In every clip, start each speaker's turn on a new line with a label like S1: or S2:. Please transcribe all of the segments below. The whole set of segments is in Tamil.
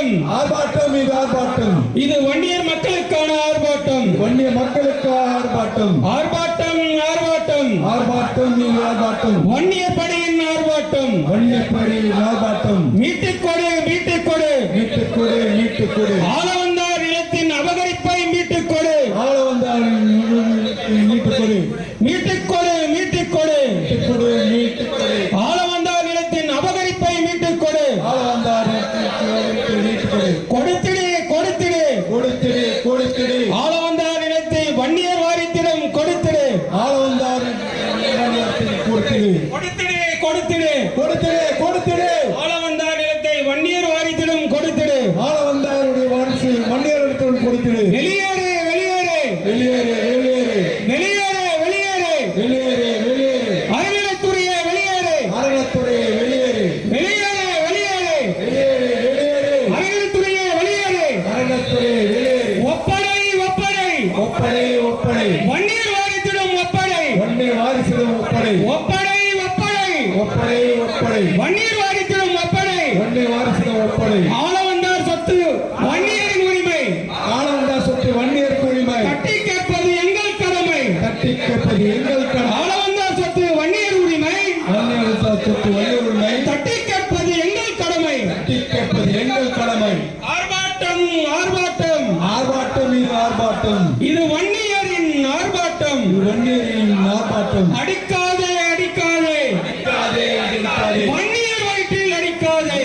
S1: ஆர்ப்பாட்டம்
S2: ஆர்ப்பாட்டம் இது ஆர்ப்பாட்டம்
S1: இது வன்னியர் மக்களுக்கான ஆர்ப்பாட்டம்
S2: வன்னிய மக்களுக்கான ஆர்ப்பாட்டம்
S1: ஆர்ப்பாட்டம் ஆர்ப்பாட்டம்
S2: ஆர்ப்பாட்டம் இது ஆர்ப்பாட்டம்
S1: வன்னியர் படையின் ஆர்ப்பாட்டம்
S2: வன்னிய படையின் ஆர்ப்பாட்டம்
S1: மீட்டுக்கொடு மீட்டுக்கொடு
S2: மீட்டுக்கொடு மீட்டுக்கொடு
S1: ஆளவந்தார் நிலத்தின் அபகரிப்பை மீட்டுக்கொடு
S2: ஆள வந்தார் மீட்டுக்கொடு
S1: மீட்டுக்கொடு மீட்டுக்கொடு
S2: மீட்டுக்கொடு மீட்டுக்கொடு
S1: ஆளவந்தார் நிலத்தின் அபகரிப்பை மீட்டுக்கொடு
S2: ஆள வந்தார் மீட்டுக்கொடு
S1: கொடுத்திடு கொடுத்திடு
S2: கொடுத்திடு கொடுத்திடு
S1: ஆளவந்தார் நிலத்தை வன்னியர் வாரியத்திடம் கொடுத்திடு
S2: ஆள வந்தார் கொடுத்திடு
S1: கொடுத்திடு கொடுத்திடு
S2: கொடுத்திடு கொடுத்திடு
S1: ஆளவந்தார் நிலத்தை வன்னியர் வாரியத்திடம் கொடுத்திடு
S2: ஆள வந்தாருடைய வாரிசு வன்னியரிடத்தில் கொடுத்திடு
S1: வெளியேறு வெளியேறு
S2: வெளியேறு வெளியேறு
S1: வெளியேறு வெளியேறு
S2: வெளியேறு வெளியேறு
S1: அறநிலைத்துறையே வெளியேறு
S2: அறநிலைத்துறையை வெளியேறு
S1: வெளியேறு வெளியேறு
S2: வெளியேறு வெளியேறு
S1: அறநிலைத்துறையே வெளியேறு
S2: அறநிலைத்துறையை வெளியேறு
S1: ஒப்படை ஒப்படை
S2: ஒப்படை ஒப்படை
S1: வன்னியர் வாரியத்திடம் ஒப்படை
S2: வன்னிய வாரிசிடம் ஒப்படை
S1: ஒப்படை ஒப்படை
S2: ஒப்படை ஒப்படை
S1: வன்னியர் வாரியத்திடம் ஒப்படை
S2: வன்னிய வாரிசிடம் ஒப்படை
S1: ஆளவந்தார் சொத்து வன்னியரின் உரிமை
S2: ஆள வந்தார் சொத்து வன்னியருக்கு உரிமை
S1: தட்டி கேட்பது எங்கள் கடமை
S2: தட்டி கேட்பது எங்கள் கடமை
S1: ஆளவந்தார் சொத்து வன்னியர் உரிமை
S2: வன்னியர் சொத்து வன்னியர் உரிமை
S1: தட்டி கேட்பது எங்கள் கடமை
S2: தட்டி கேட்பது எங்கள் கடமை
S1: ஆர்ப்பாட்டம் ஆர்ப்பாட்டம்
S2: ஆர்ப்பாட்டம் இது ஆர்ப்பாட்டம்
S1: இது வன்னியரின் ஆர்ப்பாட்டம்
S2: இது வன்னியரின் ஆர்ப்பாட்டம்
S1: அடிக்காதே அடிக்காதே
S2: அடிக்காதே அடிக்காதே
S1: வன்னியர் வயிற்றில் அடிக்காதே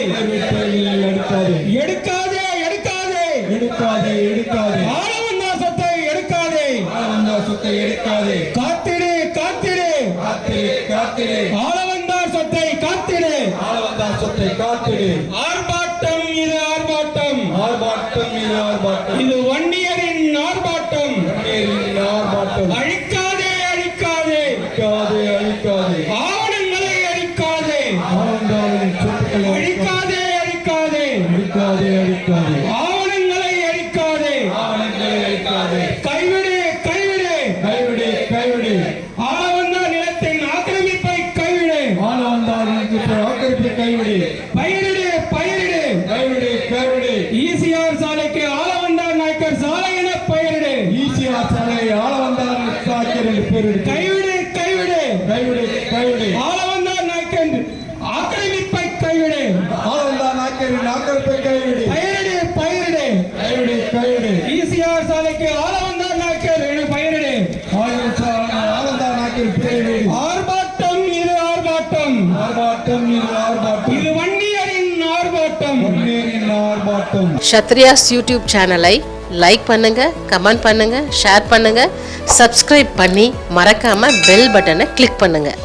S2: அடிக்காதே
S1: எடுக்காதே எடுக்காதே
S2: எடுக்காதே எடுக்காதே
S1: ஆளவந்தார் சொத்தை எடுக்காதே
S2: ஆள வந்தார் சொத்தை எடுக்காதே
S1: காத்திடு காத்திடு
S2: காத்திரு காத்திரு
S1: ஆளவந்தார் சொத்தை காத்திடு
S2: ஆள வந்தார் சொத்தை காத்திடு
S1: ஆர்ப்பாட்டம் இது ஆர்ப்பாட்டம்
S2: ஆர்ப்பாட்டம் இது ஆர்ப்பாட்டம்
S1: இது வன்னியரின் ஆர்ப்பாட்டம்
S2: வன்னியரின் ஆர்ப்பாட்டம்
S1: அழிக்காதே அழிக்காதே
S2: அழிக்காதே அழிக்காதே
S1: ஆவணங்களை அழிக்காதே
S2: ஆனந்தாவின் சொத்துக்களை
S1: அழிக்காதே அழிக்காதே
S2: அழிக்காதே அழிக்காதே
S1: ஆவணங்களை அழிக்காதே
S2: ஆவணங்களை அழிக்காதே
S1: கைவிடு கைவிடு
S2: கைவிடு கைவிடு
S1: ஆளவந்தார் நிலத்தின் ஆக்கிரமிப்பை கைவிடு
S2: ஆள வந்தார் ஆக்கிரமிப்பை கைவிடு
S1: பயிரிடு பயிரிடு
S2: கைவிடு கைவிடு
S1: ஈசிஆர் சாலைக்கு ஆளவந்தார் நாயக்கர் சாலை என பெயரிடு
S2: ஈசிஆர் சாலை ஆள வந்தார் சாக்கியர் என்று பெயரிடு
S1: கைவிடு கைவிடு
S2: கைவிடு கைவிடு
S1: ஆளவந்தார் நாயக்கர் ஆக்கிரமிப்பை கைவிடு
S2: ஆள வந்தார் நாக்கியரின் ஆக்கிரமிப்பை கைவிடு
S1: பெயரிடு பெயரிடு
S2: கைவிடு கைவிடு
S1: ஈசிஆர் சாலைக்கு ஆளவந்தார் நாயக்கர் என பெயரிடு
S2: ஆளந்தார் நாக்கியர் பெயரிடு
S1: ஆர்ப்பாட்டம் இது ஆர்ப்பாட்டம்
S2: ஆர்ப்பாட்டம் இது ஆர்ப்பாட்டம்
S1: இது வன்னியரின் ஆர்ப்பாட்டம்
S2: வன்னியரின் ஆர்ப்பாட்டம்
S3: க்ஷத்ரியாஸ் யூடியூப் சேனலை லைக் பண்ணுங்க, கமெண்ட் பண்ணுங்க, ஷேர் பண்ணுங்க, சப்ஸ்கிரைப் பண்ணி மறக்காம பெல் பட்டனை கிளிக் பண்ணுங்க.